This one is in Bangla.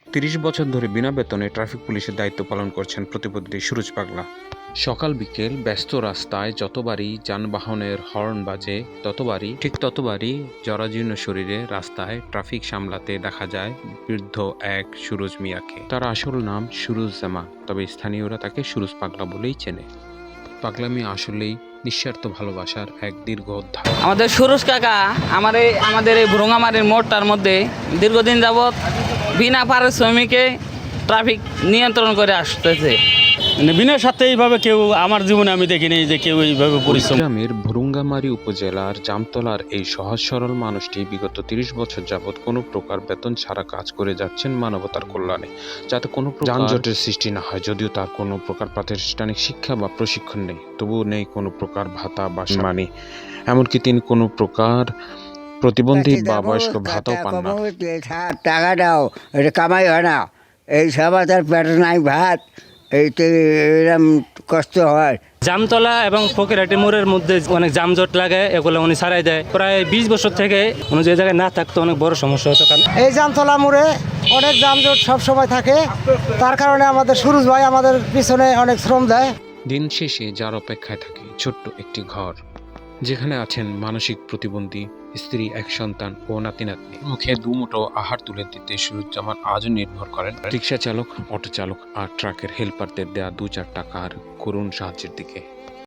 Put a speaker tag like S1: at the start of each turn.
S1: ৩০ বছর ধরে বিনা বেতনে ট্রাফিক পুলিশের দায়িত্ব পালন করছেন প্রতিপদ্ধতি সুরজ পাগলা। সকাল বিকেল ব্যস্ত রাস্তায় যতবারই যানবাহনের হর্ন বাজে ততবারই জরাজীর্ণ শরীরে রাস্তায় ট্রাফিক সামলাতে দেখা যায় বৃদ্ধ এক সুরজ মিয়াকে। তার আসল নাম সুরজ জামা, তবে স্থানীয়রা তাকে সুরজ পাগলা বলেই চেনে। পাগলা মিয়া আসলেই নিঃস্বার্থ ভালোবাসার এক দীর্ঘ অধ্যায়।
S2: আমাদের সুরজ কাকা আমাদের এই ভ্রঙ্গামারির মোড়টার মধ্যে দীর্ঘদিন যাবৎ বিনা পারিশ্রমিকে ট্রাফিক নিয়ন্ত্রণ করে আসতেছে।
S3: বিনা সাথে এইভাবে কেউ আমার জীবনে আমি দেখিনি যে কেউ এইভাবে পরিশ্রম।
S1: গ্রামের ভুরুঙ্গামারী উপজেলার জামতলার এই সহজ সরল মানুষটি বিগত ৩০ বছর যাবৎ কোনো প্রকার বেতন ছাড়া কাজ করে যাচ্ছেন মানবতার কল্যাণে, যাতে কোনো যানজটের সৃষ্টি না হয়। যদিও তার কোনো প্রকার প্রাতিষ্ঠানিক শিক্ষা বা প্রশিক্ষণ নেই, তবুও নেই কোনো প্রকার ভাতা বা সম্মানী, এমনকি তিনি কোনো প্রকার প্রতিবন্ধী বা বয়স্ক ভাতাও পান না।
S4: টাকা দাও, এটা কামাই হয় না, এই সব তার পেটে নাই ভাত, এইতে এরকম কষ্ট হয়।
S3: জামতলা এবং ফকিরহাটি মোড়ের মধ্যে অনেক যানজট লাগে, এগুলো উনি ছাড়াই দেয়। প্রায় 20 বছর থেকে উনি যে জায়গায় না থাকতো অনেক বড় সমস্যা হতো। কারণ
S5: এই জামতলা মোড়ে অনেক যানজট সব সময় থাকে, তার কারণে আমাদের সুরজ ভাই আমাদের পিছনে অনেক শ্রম দেয়।
S1: দিন শেষে যার অপেক্ষায় থাকে ছোট্ট একটি ঘর, যেখানে আছেন মানসিক প্রতিবন্ধী স্ত্রী, এক সন্তান ও নাতি নাতনি। মুখে দুমুঠো আহার তুলে দিতে সুরুজ্জামান আজও নির্ভর করেন রিক্সা চালক, অটো চালক আর ট্রাকের হেল্পারদের দেয়া 2-4 টাকার করুণ সাহায্যের দিকে।